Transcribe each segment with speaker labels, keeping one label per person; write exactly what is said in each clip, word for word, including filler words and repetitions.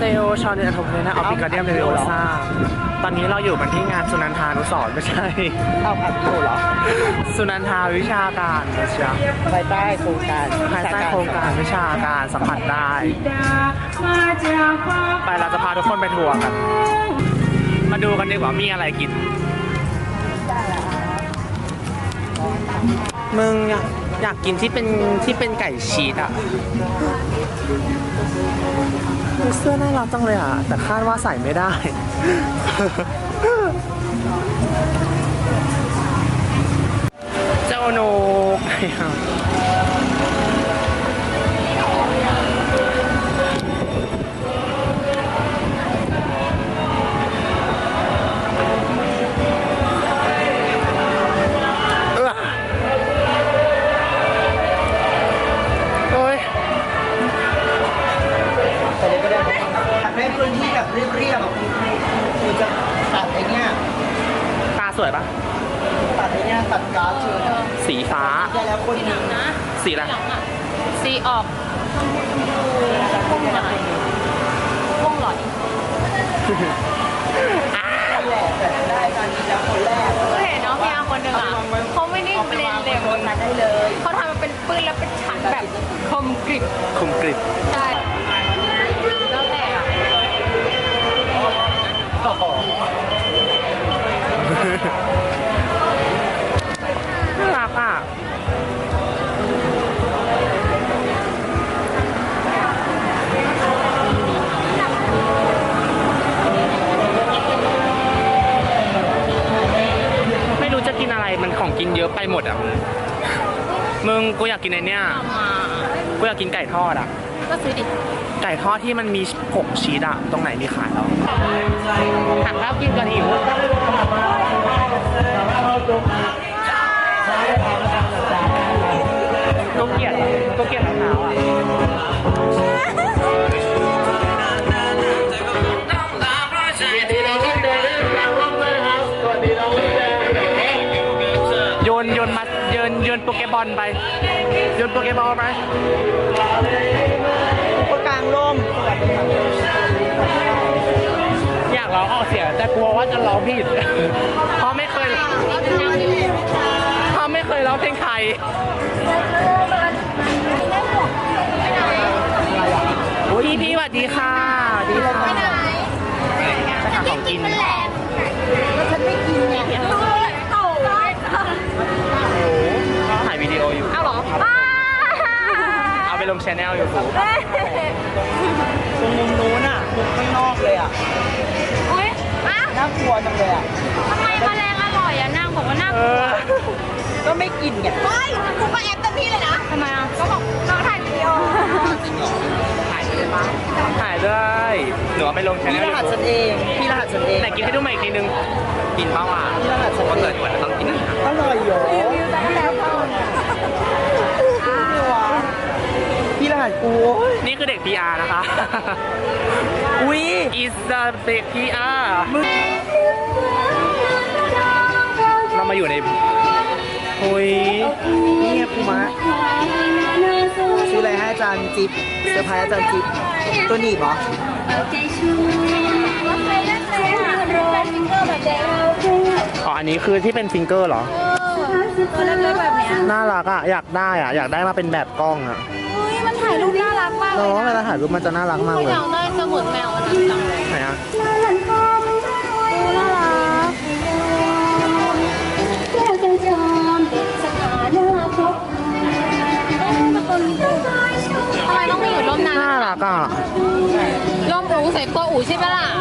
Speaker 1: ลชอนเดนทงเลยนะออฟฟิกาเดียมเลโอซ่าตอนนี้เราอยู่กันที่งานสุนันทานุสรณ์ไม่ใช่
Speaker 2: เอาอัดโเหรอ
Speaker 1: สุนันทาวิชาการนะจ๊ะ
Speaker 2: ภายใต้โครงการ
Speaker 1: ภายใต้โครงการวิชาการสัมผัสได้ไปเราจะพาทุกคนไปทัวร์กันมาดูกันดีกว่ามีอะไรกินมึงอยากอยากกินที่เป็นที่เป็นไก่ชีสอ่ะเสื้อน่ารักจังเลยอ่ะแต่คาดว่าใส่ไม่ได้ เจ้าโนก
Speaker 2: พื้นที่แบบเรียบๆแบบคือจะตัดไอ้เนี้ย
Speaker 1: ตาสวยปะ
Speaker 2: ตัดไอ้เนี้ยตัดกราฟเชิญ
Speaker 1: สีฟ้า
Speaker 2: ได้แล้วคนหนึ่งนะ
Speaker 1: สีอะไร
Speaker 3: สีออกพุ่งหน่อยพุ่งหน่อย
Speaker 2: แหละแต่ได้การที่จะคนแรก
Speaker 3: ก็เห็นเนาะพี่อาคนหนึ่งอ่ะเขาไม่ได้เบลนเร็ว
Speaker 2: ได้เลย
Speaker 3: เขาทำมันเป็นปืนแล้วเป็นฉันแบบคมกริบ
Speaker 1: คมกริบ
Speaker 3: ใช่แล้วแต่อ่ะ
Speaker 1: น่ารักอ่ะไม่รู้จะกินอะไรมันของกินเยอะไปหมดอ่ะมึงกูอยากกินไอ้เนี่ยกูอยากกินไก่ทอดอ่ะ
Speaker 3: ก็ซื้อดิ
Speaker 1: ไก่ทอดที่มันมีผงชีสอะตรงไหนมีขายแล้วหักข้าวกินกันหิวก็เกลียดก็เกลียดรองเท้าอะโยนโยนมาโยนโยนโปเกบอลไปโยนโปเกบอลไป
Speaker 2: กลางร่ม
Speaker 1: อยากร้องออกเสียงแต่กลัวว่าจะร้องผิดเพราะไม่เคยเพราะไม่เคยร้องเพลงไทยพี่พี่สวัสดีค่ะดีค่ะจะหาของกิน
Speaker 3: แล้วฉันไม่กินไง
Speaker 1: ถ่ายวิดีโออยู่
Speaker 3: เอาหรอ
Speaker 1: เอาไปลงชแนลอยู่ผม
Speaker 2: ตรงมุมนู้นอ่ะมุมข้างนอกเลยอ่ะ
Speaker 3: อุ้ย
Speaker 2: น่ากลัวจังเลยอ่ะ
Speaker 3: ทำไมแมลงอร่อยอ่ะนางบอกว่าน่ากลัว
Speaker 2: ก็ไม่กินไง
Speaker 3: ไม่กูก็แอบเต็มที่เลยนะทำไมอ่ะก็บอกน้องถ่ายวิดีโอ
Speaker 2: จริงเหรอ
Speaker 1: ถ่ายได้ปะถ่ายได้หนูเอาไปลงชแนล
Speaker 2: พี่รหัสฉันเองพี่รหัสฉันเอง
Speaker 1: แต่กินให้ดูใหม่อีกทีนึงกินเปล่าอ่ะ
Speaker 2: พี่รหัสฉัน
Speaker 1: เกิดก่อนต้องกิน
Speaker 2: อร่อยเหรอพี่รหัสกู
Speaker 1: นี่คือเด็ก พี อาร์ นะคะ
Speaker 2: อุ้ย
Speaker 1: is the เด็ก พี อาร์ เรามาอยู่ในโอ้ย
Speaker 2: นี่ไงปูมะซื้ออะไรให้อาจารย์จิ๊บเซอร์ไพรส์อาจารย์จิ๊บตัวหนีบเหรอ
Speaker 1: อ๋ออันนี้คือที่เป็นฟิงเกอร์เหรอ
Speaker 3: ตัวเล็กๆแบบนี้
Speaker 1: น่ารักอ่ะอยากได้อ่ะอยากได้มาเป็นแบบกล้องอ่ะ
Speaker 3: เฮ้ยมันถ่ายรูปน่ารักมากเลย
Speaker 1: เนาะเวลาถ่ายรูปมันจะน่ารักมากเลย
Speaker 3: อยากได้สมุดแมวอันนั้นจังเลย
Speaker 1: ไหนอ่ะ
Speaker 3: น่ารักทำไมต้องมีอยู่ร่มนั้น
Speaker 1: น่ารักอ่ะ
Speaker 3: ร่มอูใส่ตัวอูใช่ไหมล่ะ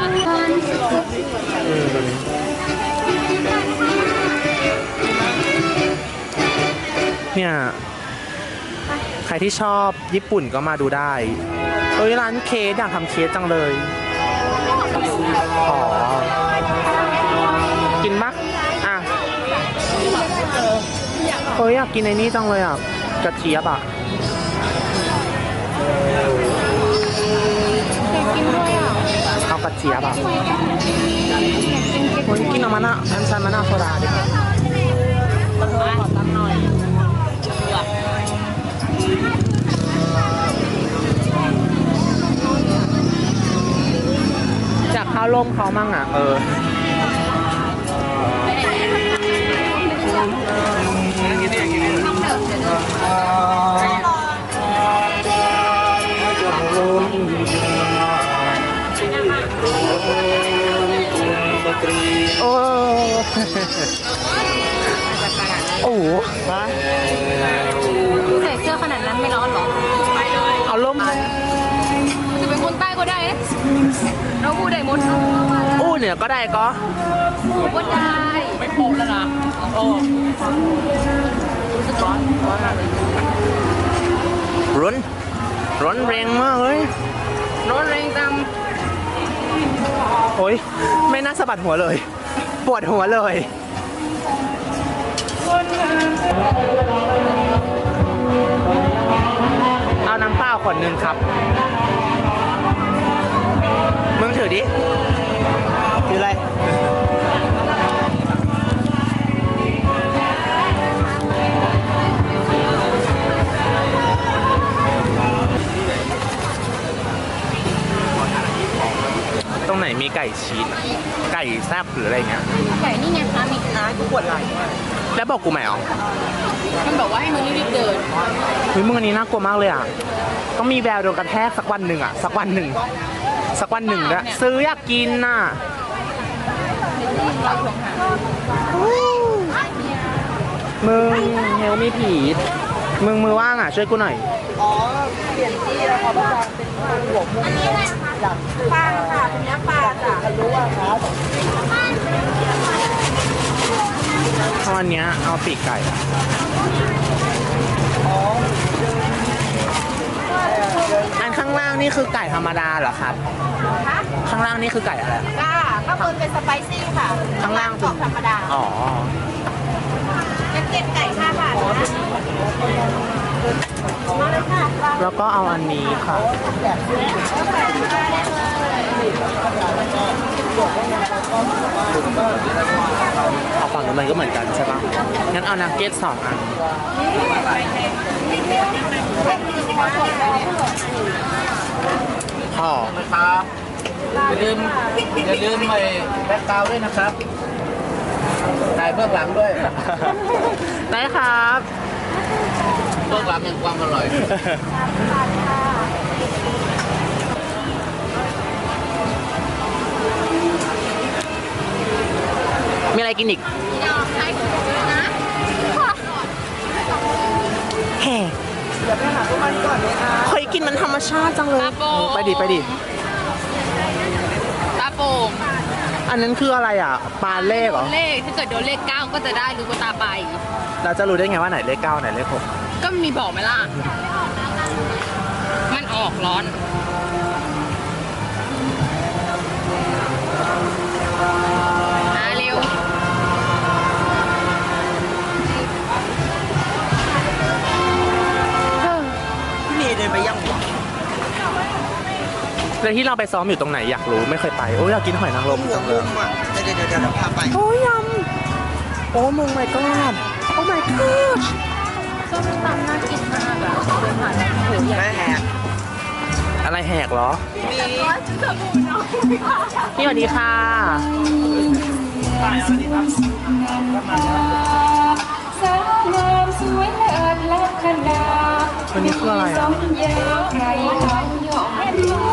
Speaker 1: เนี่ยใครที่ชอบญี่ปุ่นก็มาดูได้เอ้ยร้านเค้กอยากทำเค้กจังเลยอ๋อกินปะอ่ะเฮ้ยอยากกินไอ้นี่จังเลยอ่ะกระเจี๊ยบอ่ะ
Speaker 3: กินด้วยอ่ะ
Speaker 1: เอากระเจี๊ยบอ่ะวันนี้กินเอามานะอันชันมานะโซดาดิ
Speaker 3: ขอตั้งหน่อย
Speaker 1: ลมเขามั่งอ่ะ เออ โอ้โอ้โหมา
Speaker 3: ใส่เสื้อขนาดนั้นไม่ร้อนหรอ
Speaker 1: เอาลมเลย
Speaker 3: จะเป็นคนใต้ก็ได้นะเราพูดได้หมด
Speaker 1: อู้เนี่ยก็ได้ก็
Speaker 3: ก็ได้ ไม่พบแล้วนะโอ้รู้สึกร้อนร้อนมากเลย
Speaker 1: ร้อนร้อนแรงมากเลย
Speaker 3: ร้อนแรงจัง
Speaker 1: โอ้ยไม่น่าสะบัดหัวเลย ปวดหัวเลย เอาน้ำเปล่าขวดหนึ่งครับ มึงถือดิ
Speaker 2: คืออะไร
Speaker 1: ตรงไหนมีไก่ชีสอะไก่แซ่บหรืออะไรเงี้ย
Speaker 3: ไก่นี่ไงคะมี
Speaker 2: น้ากูปวดไหล่
Speaker 1: แล้วบอกกูไหมอ๋อ
Speaker 3: มันบอกว่าให้มึงรีบๆเดิน
Speaker 1: เฮ้ยมึงอันนี้น่ากลัวมากเลยอ่ะ ต้องมีแววโดนกระแทกสักวันหนึ่งอ่ะ สักวันหนึ่ง สักวันหนึ่งนะซื้ออยากกินน่ะ มึงเฮลไม่ผีดมึงมือว่างอ่ะ ช่วยกูหน่อย
Speaker 2: อ๋อ เปลี่ยนที่แล้วครับอาจารย์เป็นว่าหัวมุมจากปลาค่ะเป็นเนื้อปลาจ้ะทะลุอะครับ
Speaker 1: ตอนเนี้ยเอาปีกไก่อะอันข้างล่างนี่คือไก่ธรรมดาเหรอครับ ข้างล่างนี่คือไก่อะไร
Speaker 3: จ้าข้างบนเป็นสไปซี่ค่ะ
Speaker 1: ข้างล่าง
Speaker 3: กรอบธรรมดา
Speaker 1: อ๋อ
Speaker 3: เป็นเก็บไก่ห้าบาทนะมาเลยค่ะ
Speaker 1: แล้วก็เอาอันนี้ค่ะ เอาฝั่งนู้นมันก็เหมือนกันใช่ปะงั้นเอานักเก็ตสองอันห่อ
Speaker 2: ครับอย่าลืมอย่าลืมไอ้แบ็คกราวด์ด้วยนะครับถ่ายเบื้องหลังด้วย
Speaker 1: ได้ครับ
Speaker 2: เบื้องหลังแห่งความอร่อย
Speaker 1: มีอะไรกินอีก แห่เดี๋ยวไปหาพวกมันก่อนเลยค่ะเคยกินมันธรรมชาติจังเลย ไปดิ ไปดิ
Speaker 3: ตาโป่ง
Speaker 1: อันนั้นคืออะไรอ่ะ ปลาเลขเหรอ
Speaker 3: เลขถ้าเกิดโดนเลขเก้าก็จะได้ลูกตาไป
Speaker 1: เราจะรู้ได้ไงว่าไหนเลขเก้าไหนเลขหก
Speaker 3: ก็มีบอกไหมล่ะ มันออกร้อน มาเร็ว
Speaker 2: พี่เมย์เดินไปยังหัว
Speaker 1: แล้วที่เราไปซ้อมอยู่ตรงไหนอยากรู้ไม่เคยไป โอ้ยอยากกินหอยนางรม
Speaker 2: หัว
Speaker 1: จังเล
Speaker 2: มุ
Speaker 1: ย
Speaker 2: มอ่ะเดี๋ยวเดี๋ยวเดี๋ยวพาไป
Speaker 1: โอ้ยยำโอ้มึง my god โอ้ my god
Speaker 3: ส้มตำน่ากินมากอะเดินผ่านแล้วโอ้โหอยาก
Speaker 2: แม่แหก
Speaker 1: อะไรแหกเหรอ
Speaker 2: มี
Speaker 1: พี่สวัสดีค่ะ
Speaker 4: สาวงามสวยเลิศลักษณะ
Speaker 1: วันนี้คืออะไร
Speaker 4: ส
Speaker 1: อ่ะ
Speaker 4: มยาวใครทำยอมเอ็นดู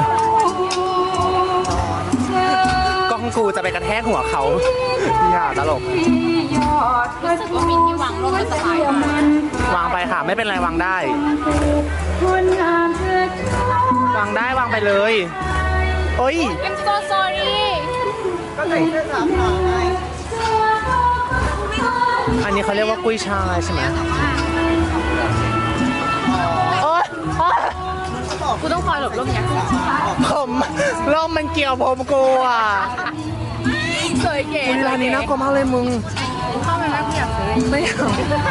Speaker 4: เธอก
Speaker 1: ล้องกูจะไปกระแทกหัวเขาอย่าตลก
Speaker 4: ที่ยอดกระ
Speaker 3: รู้สึกว่ามีที่วางร่มมันสบายมาก
Speaker 1: วางไปค่ะ ไม่เป็นไรวางได้
Speaker 4: คนงามเธอชอบ
Speaker 1: วางได้วางไปเลยโอ้ย
Speaker 3: I'm so sorry
Speaker 2: ก็ไหนเสื้อสามหน่อยไง
Speaker 1: อันนี้เขาเรียกว่ากุ้ยช่ายใช่ไหมโอ๊ยโอ๊ย
Speaker 3: กูต้องคอยหลบร่มยัง
Speaker 1: ผมร่มมันเกี่ยวผมกูอ่ะ
Speaker 3: สวยเก๋
Speaker 1: อุ๊ยร้านนี้น่ากลัวมากเลยมึง
Speaker 3: เข้ามาแล้วกูอยากซื้อ
Speaker 1: ไม่เอา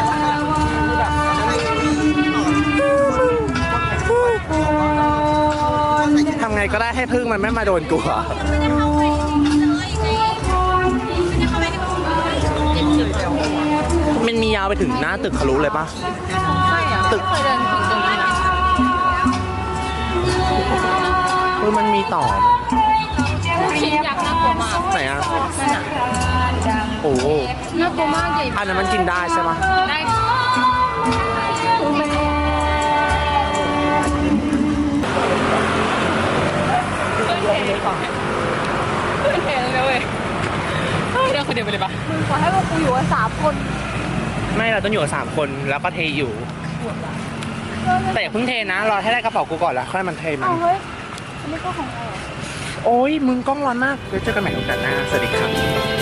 Speaker 1: ทำไงก็ได้ให้พึ่งมันไม่มาโดนกูอ่ะมันมียาวไปถึงหน้าตึกทะลุเลยปะ
Speaker 3: ใช่อะ
Speaker 1: ตึก
Speaker 3: เคยเดินถึงตรงนี้นะ
Speaker 1: คือมันมีต่อ
Speaker 3: ชิ้นยักษ์น่ากลัวมาก
Speaker 1: ไหนอ่ะ
Speaker 3: นั่นน่ะ
Speaker 1: โอ้โห
Speaker 3: น่ากลัวมากใหญ่
Speaker 1: อันนั้นมันกินได้ใช่ปะ
Speaker 3: ได้เพื่อนเทเลยนะเว้ยเฮ้ยเดี๋ยวคนเดียวไปเลยปะมึงขอให้พวกกูอยู่กันสามคน
Speaker 1: ไม่เราต้องอยู่กับสามคนแล้วก็เทอยู่ แต่อย่าเพิ่งเทนะรอให้ได้กระเป๋ากูก่อนแล้วค่อยมันเทมัน
Speaker 3: เอาเฮ้ยอันนี้ก็ของเรา
Speaker 1: โอ้ยมึงกล้องร้อนมากเดี๋ยวเจอกันใหม่โอกาสหน้าสวัสดีครับ